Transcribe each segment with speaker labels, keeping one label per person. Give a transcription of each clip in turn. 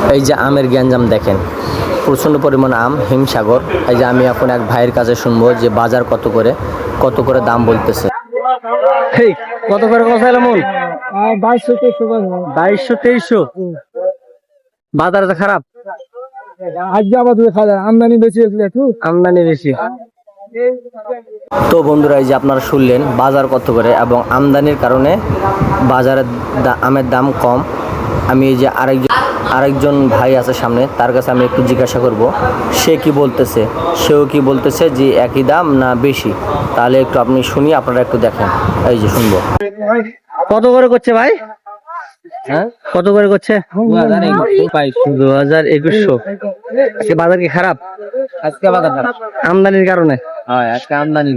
Speaker 1: এই যে আমের গ্যাঞ্জাম দেখেন, প্রচণ্ড পরিমাণ আম, হিমসাগর। এই যে আমি এখন এক ভাইয়ের কাছে শুনবো যে বাজার কত করে দাম বলতেছে। কত করে কথা মন? 2200-2300। বাজার তো খারাপ,
Speaker 2: আমদানি বেশি,
Speaker 1: আমদানি বেশি। তো বন্ধুরা, এই যে আপনারা শুনলেন বাজার কত করে এবং আমদানির কারণে বাজারের আমের দাম কম। আমি এই যে আরেকজন ভাই আছে সামনে, তার কাছে আমি একটু জিজ্ঞাসা করব সেও কি বলতেছে যে একই দাম না বেশি। তাহলে একটু আপনি শুনি, আপনারা একটু দেখেন। এই যে শুনবো। কত করে করছে ভাই? হ্যাঁ, কত করে করছে? 2200। আজকে বাজার কি খারাপ?
Speaker 2: আজকে বাজার খারাপ
Speaker 1: আমদানির কারণে।
Speaker 2: হয়, আজকে আমদানি।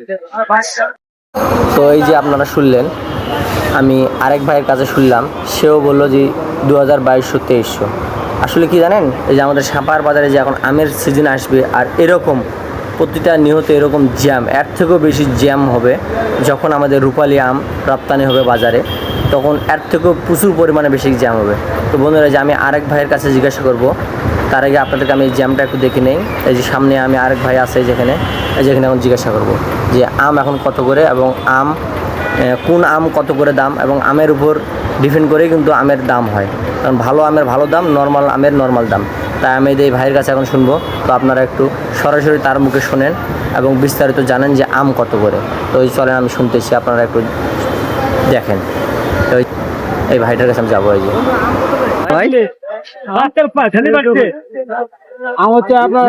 Speaker 1: তো এই যে আপনারা শুনলেন, আমি আরেক ভাইয়ের কাছে শুনলাম, সেও বললো যে 2200-2300। আসলে কি জানেন, এই যে আমাদের সাপাহার বাজারে যে এখন আমের সিজন আসবে, আর এরকম প্রতিটা নিহত এরকম জ্যাম, এর থেকেও বেশি জ্যাম হবে যখন আমাদের রূপালী আম রপ্তানি হবে বাজারে, তখন এর থেকেও প্রচুর পরিমাণে বেশি জ্যাম হবে। তো বন্ধুরা, যে আমি আরেক ভাইয়ের কাছে জিজ্ঞাসা করব, তার আগে আপনাদেরকে আমি এই জ্যামটা একটু দেখে নেই। এই যে সামনে আমি আরেক ভাই আছে যেখানে এখন জিজ্ঞাসা করব যে আম এখন কত করে, এবং কোন আম কত করে দাম, এবং আমের উপর ডিপেন্ড করেই কিন্তু আমের দাম হয়। কারণ ভালো আমের ভালো দাম, নর্মাল আমের নর্মাল দাম। তাই আমি এই ভাইয়ের কাছে এখন শুনবো। তো আপনারা একটু সরাসরি তার মুখে শোনেন এবং বিস্তারিত জানেন যে আম কত করে। তো এই চলেন, আমি শুনতেছি, আপনারা একটু দেখেন। তো এই ভাইটার কাছে আমি যাবো। এই যে ভাই,
Speaker 2: আম হচ্ছে আপনার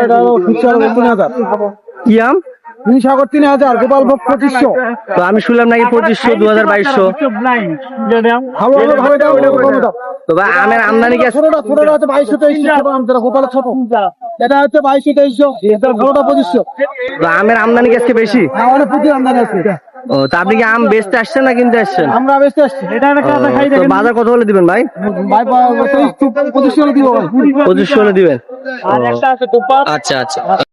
Speaker 1: কি আম?
Speaker 2: হিমসাগর 3000, গোপালভোগ 2500।
Speaker 1: তো আমি শুনলাম নাকি 2500, 2200। তো ভাই, আমের আমদানি কি?
Speaker 2: ছোটটা হচ্ছে 2200-2300, গোপালের ছোট এটা হচ্ছে 2200-2300, ভালোটা 2500।
Speaker 1: তো আমের আমদানি কি আজকে বেশি?
Speaker 2: অনেক প্রচুর আমদানি আছে।
Speaker 1: ও, তা আপনি কি আম বেচতে আসছেন না কিনতে আসছেন?
Speaker 2: আমরা বেচতে আসছি।
Speaker 1: তো বাজার কত হলে দিবেন ভাই?
Speaker 2: 2500 হলে দিব ভাই।
Speaker 1: 2500 হলে দিবেন? আচ্ছা আচ্ছা।